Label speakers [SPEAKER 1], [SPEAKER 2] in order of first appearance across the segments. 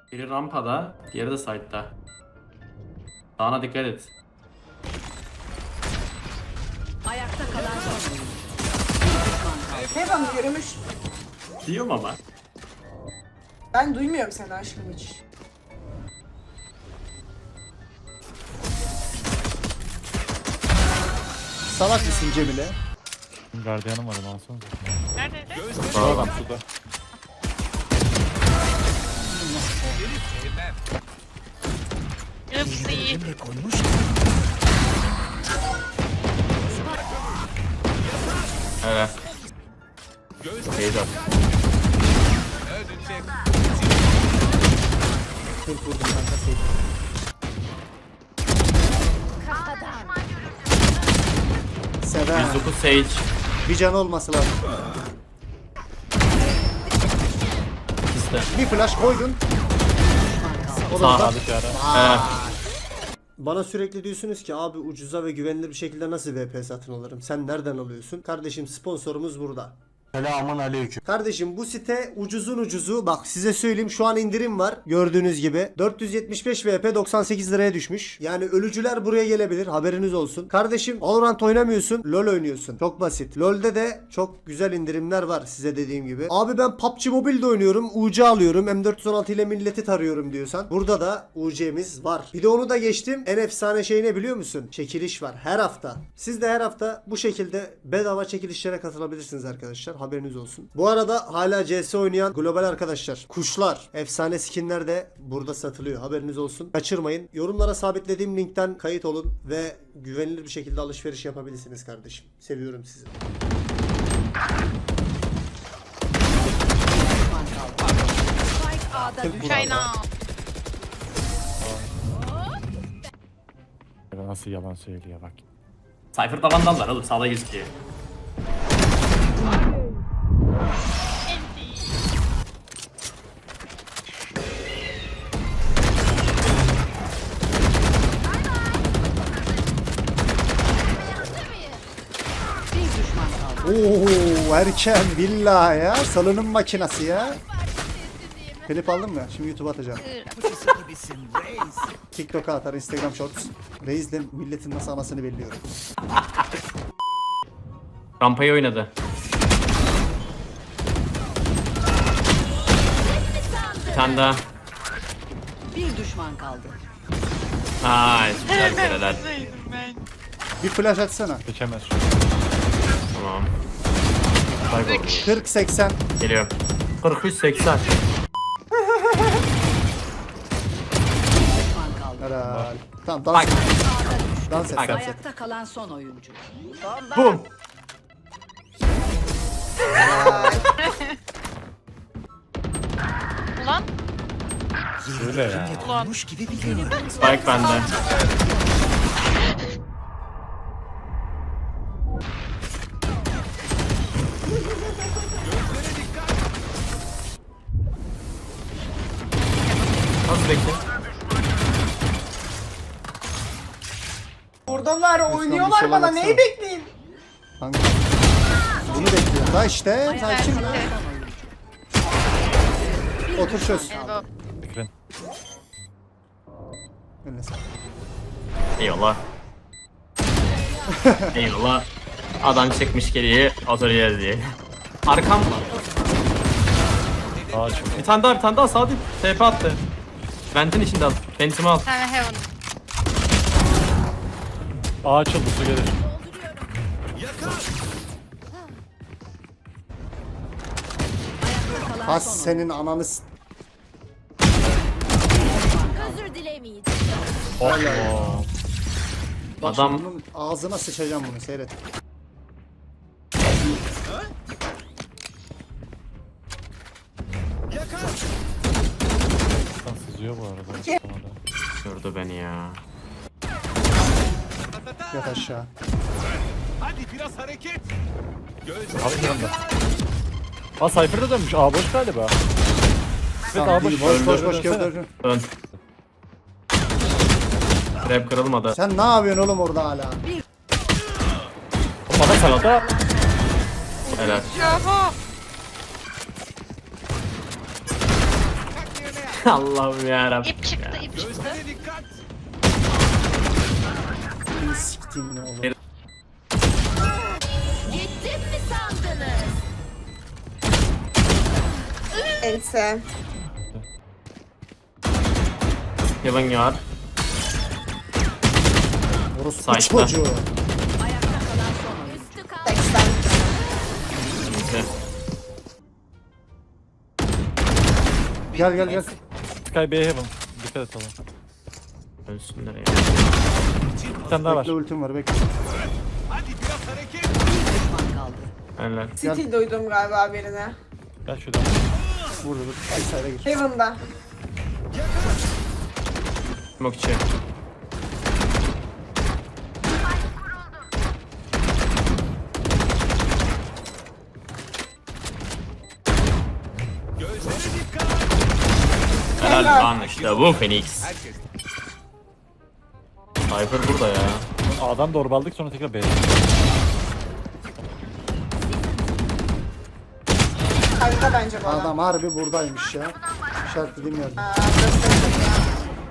[SPEAKER 1] Biri rampada, diğeri de side'da. Sağına dikkat et.
[SPEAKER 2] Ayakta kalan son.
[SPEAKER 3] Heaven yürümüş.
[SPEAKER 1] Diyorum ama.
[SPEAKER 3] Ben duymuyorum seni aşkım hiç.
[SPEAKER 4] Salak mısın Cemile?
[SPEAKER 5] Gardiyanım var onu alsana.
[SPEAKER 6] Neredeydi?
[SPEAKER 5] Sağdan suda.
[SPEAKER 6] Hepsi iyi.
[SPEAKER 1] Evet. Beyza.
[SPEAKER 4] Tek vurdum kanka tek. Sever.
[SPEAKER 1] 109 Sage.
[SPEAKER 4] Bir can olması lazım.
[SPEAKER 1] İkisi de.
[SPEAKER 4] Bir flash koydun. O da
[SPEAKER 1] Sağ.
[SPEAKER 4] orada.
[SPEAKER 5] Aldık ara.
[SPEAKER 4] Bana sürekli diyorsunuz ki abi ucuza ve güvenilir bir şekilde nasıl VP satın alırım? Sen nereden alıyorsun? Kardeşim sponsorumuz burada.
[SPEAKER 7] Selamun aleyküm.
[SPEAKER 4] Kardeşim bu site ucuzun ucuzu. Bak size söyleyeyim şu an indirim var. Gördüğünüz gibi. 475 VP 98 liraya düşmüş. Yani ölücüler buraya gelebilir. Haberiniz olsun. Kardeşim Valorant oynamıyorsun. LoL oynuyorsun. Çok basit. LoL'de de çok güzel indirimler var size dediğim gibi. Abi ben PUBG Mobile'de oynuyorum. UC alıyorum. M416 ile milleti tarıyorum diyorsan. Burada da UC'miz var. Bir de onu da geçtim. En efsane şey ne biliyor musun? Çekiliş var. Her hafta. Siz de her hafta bu şekilde bedava çekilişlere katılabilirsiniz arkadaşlar. Haberiniz olsun. Bu arada hala CS oynayan global arkadaşlar. Kuşlar, efsane skinler de burada satılıyor. Haberiniz olsun. Kaçırmayın. Yorumlara sabitlediğim linkten kayıt olun ve güvenilir bir şekilde alışveriş yapabilirsiniz kardeşim. Seviyorum sizi.
[SPEAKER 6] China.
[SPEAKER 5] Nasıl yalan söylüyor bak.
[SPEAKER 1] Cypher vandallar oğlum sağda gözüküyor.
[SPEAKER 2] Bir düşman kaldı.
[SPEAKER 4] Oo erken billahi ya. Salının makinası ya. Klip aldın mı? Şimdi YouTube'a atacağım. TikTok'a atar, Instagram Shorts. Reis'le milletin nasıl anasını belliyorum.
[SPEAKER 1] Rampayı oynadı. Bir tane daha.
[SPEAKER 2] Bir düşman kaldı.
[SPEAKER 1] Ay güzel kereler.
[SPEAKER 6] Neredeydim ben?
[SPEAKER 4] Bir flash atsana.
[SPEAKER 5] Geçemez.
[SPEAKER 1] Tamam. Kayboldu.
[SPEAKER 4] 40-80.
[SPEAKER 1] Geliyorum. 43-80.
[SPEAKER 2] Düşman kaldı.
[SPEAKER 4] Helal. Tamam dans
[SPEAKER 1] Bak.
[SPEAKER 4] et. Dans et.
[SPEAKER 1] Bak.
[SPEAKER 4] Dans et.
[SPEAKER 2] Ayakta kalan son oyuncu.
[SPEAKER 1] Bum.
[SPEAKER 6] Ulan.
[SPEAKER 5] Öyle ya.
[SPEAKER 6] Ulan.
[SPEAKER 1] Spike bende. Nasıl bekle?
[SPEAKER 3] Buradalar
[SPEAKER 4] bir
[SPEAKER 3] oynuyorlar
[SPEAKER 4] şey
[SPEAKER 3] bana
[SPEAKER 4] baksana.
[SPEAKER 3] neyi bekleyeyim?
[SPEAKER 4] Kanka. Bunu bekliyorum. Da işte.
[SPEAKER 2] Ayakta
[SPEAKER 4] Sakin.
[SPEAKER 2] kalan son oyuncu.
[SPEAKER 4] Otur çöz.
[SPEAKER 6] Elbow.
[SPEAKER 5] Fikrin.
[SPEAKER 4] Önüne sağ.
[SPEAKER 1] Eyvallah. Eyvallah. Adam çekmiş geriye atölye diye. Arkam.
[SPEAKER 5] Aa çok.
[SPEAKER 1] Bir tane daha sağ değil. TP attı. Vent'in içinde al. Vent'imi al.
[SPEAKER 6] Bir tane heaven.
[SPEAKER 5] Aa açıldı su gelir.
[SPEAKER 2] Ayakta kalan
[SPEAKER 4] Has
[SPEAKER 2] son oyuncu.
[SPEAKER 4] senin ananı s-
[SPEAKER 8] Özür dilemeyeceğim.
[SPEAKER 5] Oh.
[SPEAKER 4] Bak
[SPEAKER 1] Adam-
[SPEAKER 4] şimdi bunun ağzına sıçacağım bunu seyret.
[SPEAKER 5] Sen sızıyor bu arada.
[SPEAKER 1] Gördü beni ya.
[SPEAKER 4] Yat aşağı.
[SPEAKER 5] Abi yanında. Aa Cypher'da dönmüş. Aa boş galiba. Evet aa boş.
[SPEAKER 4] Boş gör.
[SPEAKER 1] Dön. Trap kırılmadı.
[SPEAKER 4] Sen ne yapıyorsun oğlum orada hala?
[SPEAKER 5] Bana salata.
[SPEAKER 1] Helal.
[SPEAKER 6] Yahu.
[SPEAKER 1] Allah'ım yarabbim.
[SPEAKER 6] İp çıktı, ip çıktı.
[SPEAKER 7] Gözlere dikkat.
[SPEAKER 4] Beni siktin ne olur.
[SPEAKER 8] Gittim mi sandınız?
[SPEAKER 3] Else.
[SPEAKER 1] Heaven var.
[SPEAKER 4] Orospu
[SPEAKER 1] Side'da.
[SPEAKER 4] çocuğu.
[SPEAKER 2] Ayakta kalan son oyuncu.
[SPEAKER 8] Üstü kaldı.
[SPEAKER 3] 80.
[SPEAKER 1] Neyse.
[SPEAKER 4] Gel gel gel.
[SPEAKER 5] Sky B Heaven. Dikkat et oğlum.
[SPEAKER 1] Ölsünler ya.
[SPEAKER 5] Bir tane daha var.
[SPEAKER 4] Bekle ultim var bekle.
[SPEAKER 7] Hadi biraz hareket.
[SPEAKER 2] Bir düşman kaldı.
[SPEAKER 1] Helal.
[SPEAKER 3] City duydum galiba birine.
[SPEAKER 5] Gel şuradan.
[SPEAKER 4] Burada dur. Bir sayıda gir.
[SPEAKER 3] Heaven'da.
[SPEAKER 1] Smoke içi.
[SPEAKER 7] Gözlere dikkat.
[SPEAKER 1] Helal lan işte bu Phoenix.
[SPEAKER 7] Herkes.
[SPEAKER 1] Cypher burada ya.
[SPEAKER 5] A'dan doğru aldık sonra tekrar B'ye.
[SPEAKER 3] Harika bence bu adam.
[SPEAKER 4] Adam harbi buradaymış ya. İşaretlediğim yerde.
[SPEAKER 3] Aa, gösterdim ya.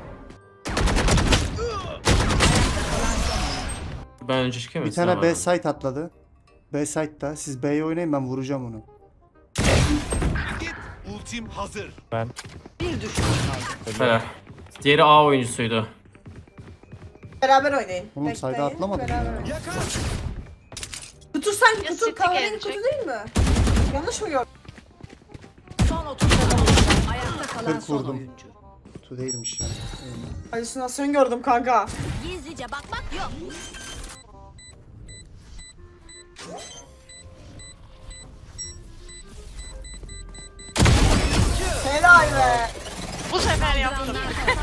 [SPEAKER 1] Ben önce çıkayım mı?
[SPEAKER 4] Bir tane
[SPEAKER 1] Sıra
[SPEAKER 4] B
[SPEAKER 1] var.
[SPEAKER 4] site atladı. B site'da. Siz B'ye oynayın ben vuracağım onu.
[SPEAKER 7] Git. Ultim hazır.
[SPEAKER 5] Ben.
[SPEAKER 2] Bir düşman kaldı.
[SPEAKER 1] Helal. Diğeri A oyuncusuydu.
[SPEAKER 3] Beraber oynayın.
[SPEAKER 4] Oğlum, sayda
[SPEAKER 3] Bekleyin,
[SPEAKER 4] atlamadım
[SPEAKER 3] beraber
[SPEAKER 4] ya.
[SPEAKER 3] oynayın.
[SPEAKER 7] Yakar.
[SPEAKER 3] Kutu sanki
[SPEAKER 6] Ya
[SPEAKER 3] kutu
[SPEAKER 6] City
[SPEAKER 3] kahverengi
[SPEAKER 6] gelecek.
[SPEAKER 3] kutu değil mi? Yanlış mı gördüm?
[SPEAKER 2] Son 30 saniye. Ayakta kalan
[SPEAKER 4] 40
[SPEAKER 2] son
[SPEAKER 4] vurdum.
[SPEAKER 2] oyuncu.
[SPEAKER 4] Kutu değilmiş ya.
[SPEAKER 3] Halüsinasyon gördüm kanka.
[SPEAKER 8] Gizlice bakmak yok.
[SPEAKER 3] Helal be.
[SPEAKER 6] Bu sefer yaptım.